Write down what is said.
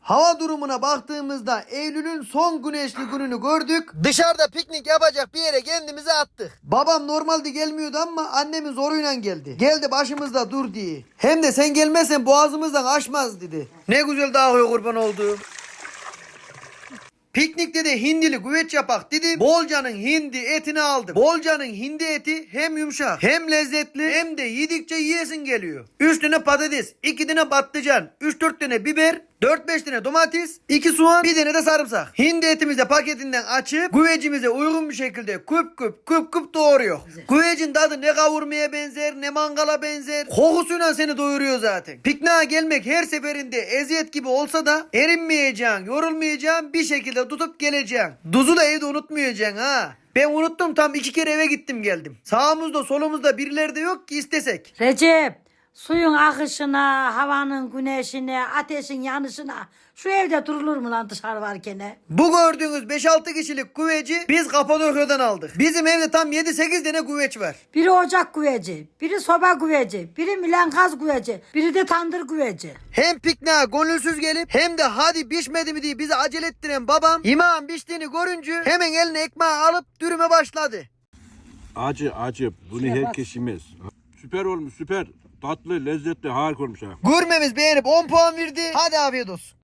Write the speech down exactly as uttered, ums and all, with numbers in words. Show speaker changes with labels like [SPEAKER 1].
[SPEAKER 1] Hava durumuna baktığımızda Eylül'ün son güneşli gününü gördük. Dışarıda piknik yapacak bir yere kendimizi attık. Babam normalde gelmiyordu ama annemin zoruyla geldi. Geldi başımızda dur diye. Hem de sen gelmezsen boğazımızdan aşmaz dedi. Ne güzel dağıyor kurban olduğum. Piknikte de hindili güveç yapak dedim. Bolca'nın hindi etini aldım. Bolca'nın hindi eti hem yumuşak hem lezzetli hem de yedikçe yiyesin geliyor. üç tane patates, iki tane patlıcan, üç dört tane biber, dört beş tane domates, iki soğan, bir tane de sarımsak. Hindi etimizi de paketinden açıp güvecimize uygun bir şekilde küp küp küp küp doğruyor. Güvecin tadı ne kavurmaya benzer ne mangala benzer. Kokusuyla seni doyuruyor zaten. Pikniğe gelmek her seferinde eziyet gibi olsa da erinmeyeceksin, yorulmayacaksın, bir şekilde tutup geleceksin. Duzu da evde unutmayacaksın ha. Ben unuttum, tam iki kere eve gittim geldim. Sağımızda solumuzda birileri de yok ki istesek.
[SPEAKER 2] Recep, suyun akışına, havanın güneşine, ateşin yanışına şu evde durulur mu lan dışarı varken?
[SPEAKER 1] Bu gördüğünüz beş altı kişilik güveci biz Kapadokya'dan aldık. Bizim evde tam yedi sekiz tane güveç var.
[SPEAKER 2] Biri ocak güveci, biri soba güveci, biri milenkaz güveci, biri de tandır güveci.
[SPEAKER 1] Hem pikniğe gönülsüz gelip hem de hadi pişmedi mi diye bizi acele ettiren babam imağın piştiğini görünce hemen eline ekmeği alıp dürüme başladı.
[SPEAKER 3] Acı acı. Bunu
[SPEAKER 2] Şuna
[SPEAKER 3] herkes
[SPEAKER 2] bak.
[SPEAKER 3] yemez. Süper olmuş süper. Tatlı, lezzetli, harika olmuş ha.
[SPEAKER 1] Gurmemiz beğenip on puan verdi. Hadi afiyet olsun.